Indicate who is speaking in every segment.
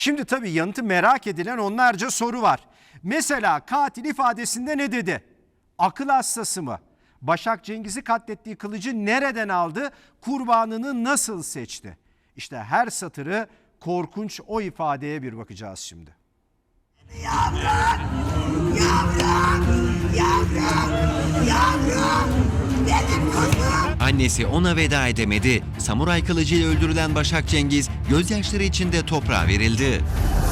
Speaker 1: Şimdi tabii yanıtı merak edilen onlarca soru var. Mesela katil ifadesinde ne dedi? Akıl hastası mı? Başak Cengiz'i katlettiği kılıcı nereden aldı? Kurbanını nasıl seçti? İşte her satırı korkunç o ifadeye bir bakacağız şimdi.
Speaker 2: Yavrum, yavrum, yavrum, yavrum, benim kuzum.
Speaker 3: Annesi ona veda edemedi. Samuray kılıcıyla öldürülen Başak Cengiz gözyaşları içinde toprağa verildi.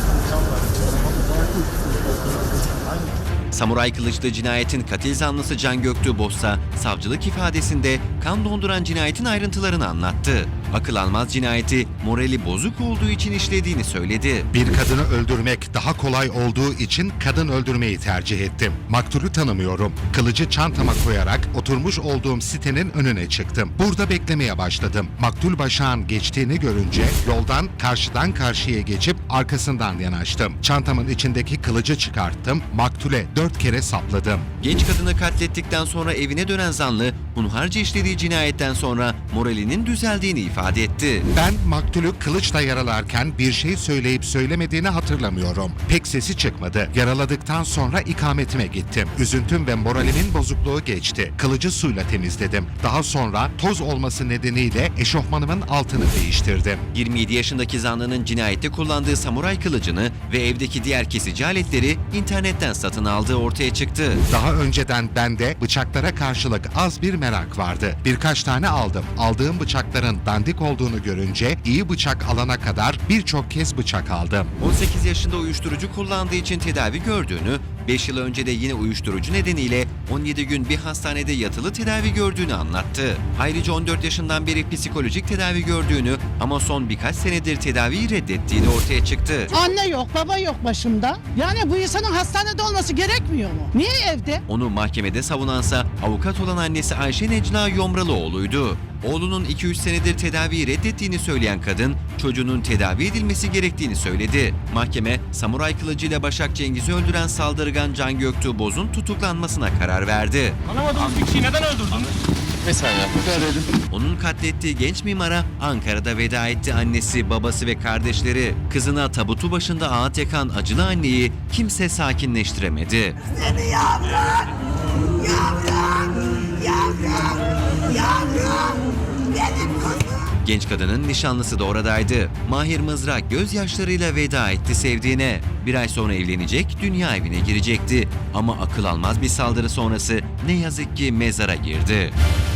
Speaker 3: Samuray kılıçlı cinayetin katil zanlısı Can Göktuğ Bozsa savcılık ifadesinde kan donduran cinayetin ayrıntılarını anlattı. Akıl almaz cinayeti morali bozuk olduğu için işlediğini söyledi.
Speaker 4: Bir kadını öldürmek daha kolay olduğu için kadın öldürmeyi tercih ettim. Maktulü tanımıyorum. Kılıcı çantama koyarak oturmuş olduğum sitenin önüne çıktım. Burada beklemeye başladım. Maktul Başak'ın geçtiğini görünce yoldan karşıdan karşıya geçip arkasından yanaştım. Çantamın içindeki kılıcı çıkarttım. Maktule 4 kere sapladım.
Speaker 3: Genç kadını katlettikten sonra evine dönen zanlı hunharca işlediği cinayetten sonra moralinin düzeldiğini ifade etti.
Speaker 4: Ben maktulü kılıçla yaralarken bir şey söyleyip söylemediğini hatırlamıyorum. Pek sesi çıkmadı. Yaraladıktan sonra ikametime gittim. Üzüntüm ve moralimin bozukluğu geçti. Kılıcı suyla temizledim. Daha sonra toz olması nedeniyle eşofmanımın altını değiştirdim.
Speaker 3: 27 yaşındaki zanlının cinayette kullandığı samuray kılıcını ve evdeki diğer kesici aletleri internetten satın aldığı ortaya çıktı.
Speaker 4: Daha önceden bende bıçaklara karşılık az bir merak vardı. Birkaç tane aldım. Aldığım bıçakların dandik olduğunu görünce iyi bıçak alana kadar birçok kez bıçak aldım.
Speaker 3: 18 yaşında uyuşturucu kullandığı için tedavi gördüğünü, 5 yıl önce de yine uyuşturucu nedeniyle 17 gün bir hastanede yatılı tedavi gördüğünü anlattı. Ayrıca 14 yaşından beri psikolojik tedavi gördüğünü ama son birkaç senedir tedaviyi reddettiğini ortaya çıktı.
Speaker 5: Anne yok, baba yok başımda. Yani bu insanın hastanede olması gerekmiyor mu? Niye evde?
Speaker 3: Onu mahkemede savunansa avukat olan annesi Ayşe Necla Yomralıoğlu'ydu. Oğlunun 2-3 senedir tedaviyi reddettiğini söyleyen kadın, çocuğunun tedavi edilmesi gerektiğini söyledi. Mahkeme, samuray kılıcıyla Başak Cengiz'i öldüren saldırgan Can Göktuğ Boz'un tutuklanmasına karar verdi.
Speaker 6: Tanımadığınız bir kişiyi neden öldürdünüz?
Speaker 3: Onun katlettiği genç mimara Ankara'da veda etti annesi, babası ve kardeşleri. Kızına tabutu başında ağıt yakan acılı anneyi kimse sakinleştiremedi.
Speaker 2: Seni yavrum, yavrum, yavrum, yavrum, benim kuzum.
Speaker 3: Genç kadının nişanlısı da oradaydı. Mahir Mızrak gözyaşlarıyla veda etti sevdiğine. Bir ay sonra evlenecek, dünya evine girecekti. Ama akıl almaz bir saldırı sonrası ne yazık ki mezara girdi.